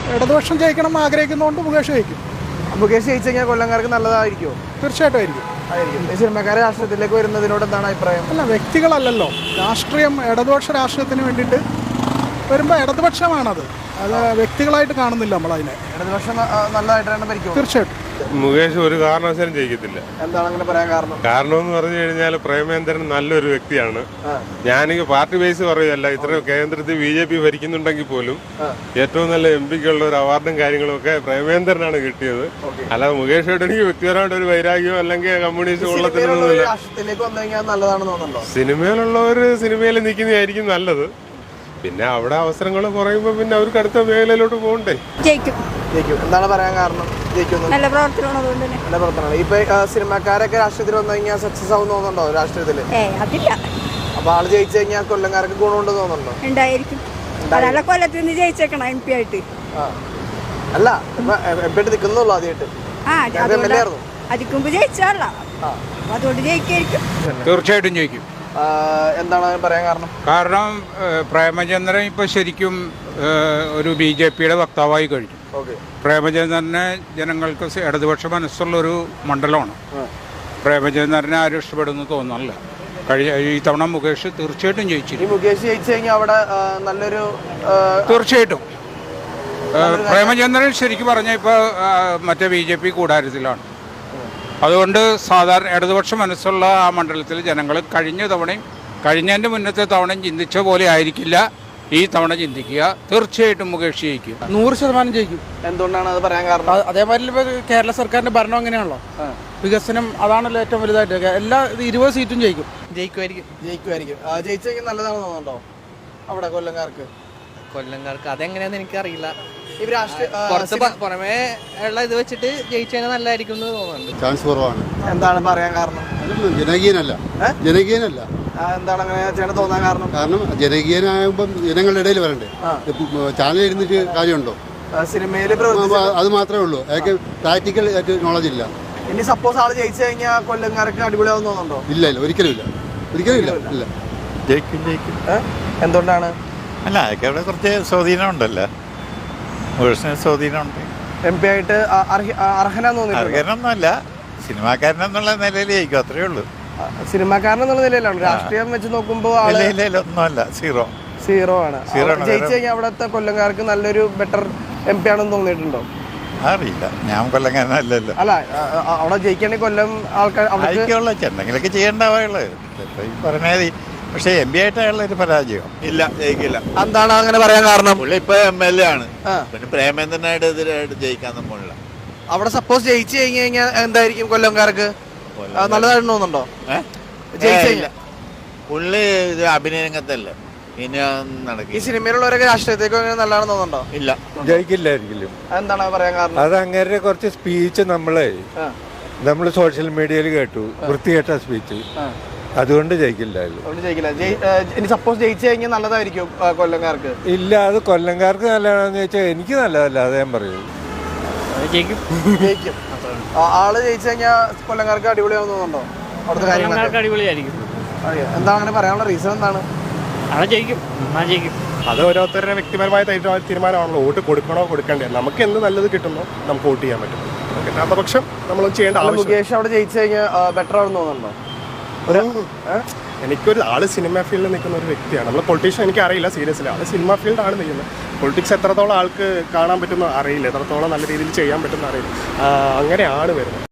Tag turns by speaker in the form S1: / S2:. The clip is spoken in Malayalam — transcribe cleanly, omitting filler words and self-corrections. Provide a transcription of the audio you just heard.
S1: ഇടതുപക്ഷം ജയിക്കണം ആഗ്രഹിക്കുന്നതുകൊണ്ട് മുകേഷ് ജയിക്കും.
S2: മുകേഷ് ജയിച്ചു കഴിഞ്ഞാൽ കൊല്ലംകാർക്ക് നല്ലതായിരിക്കുമോ?
S1: തീർച്ചയായിട്ടും ആയിരിക്കും.
S2: ഈ സിനിമക്കാരെ രാഷ്ട്രീയത്തിലേക്ക് വരുന്നതിനോട് എന്താണ് അഭിപ്രായം?
S1: അല്ല, വ്യക്തികളല്ലല്ലോ രാഷ്ട്രീയം. ഇടതുപക്ഷ രാഷ്ട്രീയത്തിന് വേണ്ടിയിട്ട് വരുമ്പോൾ ഇടതുപക്ഷമാണത്. അത് വ്യക്തികളായിട്ട് കാണുന്നില്ല നമ്മളതിനെ.
S2: ഇടതുപക്ഷം നല്ലതായിട്ടാണ് ഭരിക്കുന്നത്.
S1: തീർച്ചയായിട്ടും
S3: മുകേഷ് ഒരു കാരണവശാലും ജയിക്കത്തില്ല.
S2: എന്താണ് അങ്ങനെ പറയാൻ കാരണം?
S3: കാരണം എന്ന് പറഞ്ഞു കഴിഞ്ഞാൽ പ്രേമേന്ദ്രൻ നല്ലൊരു വ്യക്തിയാണ്. ഞാനെങ്കിൽ പാർട്ടി ബേസ് പറയുകയല്ല, ഇത്ര കേന്ദ്രത്തിൽ BJP ഭരിക്കുന്നുണ്ടെങ്കിൽ പോലും ഏറ്റവും നല്ല MP-ക്കുള്ള ഒരു അവാർഡും കാര്യങ്ങളും ഒക്കെ പ്രേമേന്ദ്രനാണ് കിട്ടിയത്. അല്ലാതെ മുകേഷായിട്ട് എനിക്ക് വ്യക്തിപരമായിട്ട് ഒരു വൈരാഗ്യമോ അല്ലെങ്കിൽ കമ്മ്യൂണിസ്റ്റ് കൊള്ളത്തിനൊന്നുമില്ല. സിനിമയിലുള്ളവർ സിനിമയിൽ നിൽക്കുന്നതായിരിക്കും നല്ലത്. പിന്നെ അവിടെ അവസരങ്ങൾ കുറയുമ്പോൾ പിന്നെ അവർക്ക് അടുത്ത മേഖലയിലോട്ട് പോകണ്ടേ.
S4: ജയിക്കും.
S2: എന്താണ് പറയാൻ കാരണം?
S4: നല്ല പ്രവർത്തനമാണ്.
S2: ഇപ്പൊ സിനിമക്കാരൊക്കെ രാഷ്ട്രീയത്തിൽ വന്നു കഴിഞ്ഞാൽ സക്സസ് ആവും തോന്നുന്നുണ്ടോ രാഷ്ട്രീയത്തില്?
S4: അതില്ല.
S2: അപ്പൊ ആള് ജയിച്ചു കഴിഞ്ഞാൽ കൊല്ലംകാർക്ക് ഗുണമുണ്ടെന്ന് തോന്നുന്നുണ്ടോ?
S4: ഉണ്ടായിരിക്കും. കൊല്ലത്തിൽ നിന്ന് ജയിച്ചേക്കണം MP ആയിട്ട്.
S2: അല്ല, MP ആയിട്ട് നിൽക്കുന്നുള്ളൂ ആദ്യമായിട്ട്.
S4: അതിക്ക് മുമ്പ് ജയിച്ചാല, അതുകൊണ്ട് ജയിക്കായിരിക്കും.
S5: തീർച്ചയായിട്ടും ജയിക്കും.
S2: എന്താണ് പറയാൻ കാരണം?
S5: കാരണം പ്രേമചന്ദ്രൻ ഇപ്പൊ ശരിക്കും ഒരു BJP-യുടെ വക്താവായി കഴിഞ്ഞു. പ്രേമചന്ദ്രനെ ജനങ്ങൾക്ക് ഇടതുപക്ഷ മനസ്സുള്ളൊരു മണ്ഡലമാണ്. പ്രേമചന്ദ്രനെ ആരും ഇഷ്ടപ്പെടുന്നു തോന്നുന്നില്ല. ഈ തവണ മുകേഷ് തീർച്ചയായിട്ടും ജയിച്ചിരിക്കും.
S2: മുകേഷ് ജയിച്ചു കഴിഞ്ഞാൽ അവിടെ നല്ലൊരു
S5: തീർച്ചയായിട്ടും പ്രേമചന്ദ്രൻ ശരിക്കും പറഞ്ഞാൽ ഇപ്പോൾ മറ്റേ BJP കൂടാരത്തിലാണ്. അതുകൊണ്ട് സാധാരണ ഇടതുപക്ഷ മനസ്സുള്ള ആ മണ്ഡലത്തിൽ ജനങ്ങൾ കഴിഞ്ഞതിൻ്റെ മുന്നത്തെ തവണയും ചിന്തിച്ച പോലെ ആയിരിക്കില്ല ഈ തവണ ചിന്തിക്കുക. തീർച്ചയായിട്ടും മുകേഷ് ജയിക്കും.
S2: 100% ജയിക്കും. എന്തുകൊണ്ടാണ് അത് പറയാൻ കാരണം?
S6: അതേമാതിരി ഇപ്പോൾ കേരള സർക്കാരിന്റെ ഭരണം അങ്ങനെയാണല്ലോ, വികസനം അതാണല്ലോ ഏറ്റവും വലുതായിട്ട്. എല്ലാ 20 സീറ്റും ജയിക്കും.
S2: ജയിക്കുമായിരിക്കും. ജയിച്ചു കഴിഞ്ഞാൽ നല്ലതാണെന്ന് തോന്നുന്നുണ്ടോ അവിടെ കൊല്ലംകാർക്ക്?
S7: അതെങ്ങനെയാന്ന് എനിക്കറിയില്ല. പുറമേ ഉള്ള ഇത് വെച്ചിട്ട് ജയിച്ചു കഴിഞ്ഞാൽ നല്ലതായിരിക്കും എന്ന് തോന്നുന്നുണ്ട്.
S8: ചാൻസ് കുറവാണ്.
S2: എന്താണ് പറയാൻ കാരണം?
S8: ജനകീയനല്ല.
S2: എന്താണ് അങ്ങനെ തോന്നാൻ കാരണം?
S8: കാരണം ജനകീയനാകുമ്പം ജനങ്ങളുടെ ഇടയിൽ വരണ്ടേ. ചാനൽ ഇരുന്നിട്ട് കാര്യമുണ്ടോ?
S2: സിനിമയിൽ
S8: അത് മാത്രമേ ഉള്ളൂ. അയാൾക്ക് പ്രാക്ടിക്കൽ നോളജ് ഇല്ല.
S2: ഇനി സപ്പോസ് ആള് ജയിച്ചു കഴിഞ്ഞാൽ കൊല്ലംകാർക്ക് അടിപൊളിയാവുന്ന തോന്നുന്നുണ്ടോ?
S8: ഇല്ല, ഒരിക്കലും ഇല്ല.
S9: ജയിക്കും.
S2: എന്തുകൊണ്ടാണ്?
S9: അല്ല, അതൊക്കെ അവിടെ കുറച്ച് സ്വാധീനം ഉണ്ടല്ലോ. സ്വാധീനമുണ്ട്.
S2: MP ആയിട്ട് അർഹനാന്ന് തോന്നുന്നു.
S9: അർഹനൊന്നുമല്ല, സിനിമാക്കാരനെന്നുള്ള നിലയിൽ ജയിക്കും, അത്രേ ഉള്ളൂ.
S2: സിനിമാക്കാരനെന്നുള്ള നിലയിലാണ്. രാഷ്ട്രീയം വെച്ച് നോക്കുമ്പോൾ
S9: ഒന്നുമല്ല, സീറോ ആണ്.
S2: ജയിച്ചു കഴിഞ്ഞാൽ അവിടുത്തെ കൊല്ലംകാർക്ക് നല്ലൊരു ബെറ്റർ MP ആണെന്ന് തോന്നിയിട്ടുണ്ടോ?
S9: അറിയില്ല, ഞാൻ കൊല്ലംകാരനല്ലല്ലോ.
S2: അല്ല, അവിടെ ജയിക്കണമെങ്കിൽ കൊല്ലം ആൾക്കാർ
S9: എന്തെങ്കിലുമൊക്കെ ചെയ്യേണ്ടവുള്ളത് പറഞ്ഞാൽ. പക്ഷെ MP ആയിട്ടുള്ള ഒരു പരാജയം
S10: ഇല്ല, ജയിക്കില്ല.
S2: എന്താണ് അങ്ങനെ പറയാൻ കാരണം?
S10: പുള്ളി ഇപ്പൊ MLA ആണ്. പിന്നെ പ്രേമേന്ദ്രനായിട്ട് എതിരായിട്ട് ജയിക്കാനൊന്നും പോണില്ല.
S2: അവിടെ സപ്പോസ് ജയിച്ചു കഴിഞ്ഞു കഴിഞ്ഞാൽ എന്തായിരിക്കും കൊല്ലംകാർക്ക് നല്ലതായിട്ട് തോന്നുന്നുണ്ടോ? ജയിച്ചില്ല.
S10: പുള്ളി ഇത് അഭിനയ രംഗത്തല്ല. ഇനി നടക്കും.
S2: ഈ സിനിമയിലുള്ളവരൊക്കെ രാഷ്ട്രീയത്തേക്ക് നല്ലതാണെന്ന് തോന്നുന്നുണ്ടോ?
S10: ഇല്ല,
S3: ജയിക്കില്ലായിരിക്കും.
S2: എന്താണ് പറയാൻ കാരണം?
S3: അത് അങ്ങനെ കുറച്ച് സ്പീച്ച് നമ്മൾ സോഷ്യൽ മീഡിയയിൽ കേട്ടു, വൃത്തികെട്ട സ്പീച്ച്. അതുകൊണ്ട് ജയിക്കില്ല.
S2: ഇനി സപ്പോസ് ജയിച്ചു കഴിഞ്ഞാൽ നല്ലതായിരിക്കും കൊല്ലംകാർക്ക്?
S3: ഇല്ല, അത് കൊല്ലംകാർക്ക് നല്ലതാണെന്ന് ചോദിച്ചാൽ എനിക്ക് നല്ലതല്ല, അത് ഞാൻ പറയൂ.
S2: ജയിക്കും. ആള് ജയിച്ചു കഴിഞ്ഞാൽ കൊല്ലംകാർക്ക് അടിപൊളിയാവുന്ന തോന്നുന്നുണ്ടോ? അവിടുത്തെ കാര്യങ്ങളൊക്കെ
S7: അടിപൊളിയായിരിക്കും.
S2: എന്താണ് അങ്ങനെ പറയാനുള്ള റീസൺ എന്താണ്?
S7: ജയിക്കും.
S11: അത് ഓരോരുത്തരുടെ വ്യക്തിപരമായ തീരുമാനമാണല്ലോ. വോട്ട് കൊടുക്കണോ കൊടുക്കണ്ടേ. നമുക്ക് എന്ത് നല്ലത് കിട്ടുന്നോ നമുക്ക് വോട്ട് ചെയ്യാൻ പറ്റും. കിട്ടാത്ത പക്ഷം നമ്മൾ ചെയ്യേണ്ട ആവശ്യം.
S2: മുകേഷ് അവിടെ ജയിച്ചു കഴിഞ്ഞാൽ ബെറ്റർ ആണെന്ന് തോന്നുന്നുണ്ടോ?
S11: എനിക്കൊരു ആള് സിനിമ ഫീൽഡിൽ നിൽക്കുന്ന ഒരു വ്യക്തിയാണ്. നമ്മൾ പൊളിറ്റീഷ്യൻ എനിക്ക് അറിയില്ല, സീരിയസ്ലി. ആള് സിനിമ ഫീൽഡാണ് നിൽക്കുന്നത്. പൊളിറ്റിക്സ് എത്രത്തോളം ആൾക്ക് കാണാൻ പറ്റുന്ന അറിയില്ല, എത്രത്തോളം നല്ല രീതിയിൽ ചെയ്യാൻ പറ്റുന്ന അറിയില്ല. അങ്ങനെയാണ് വരുന്നത്.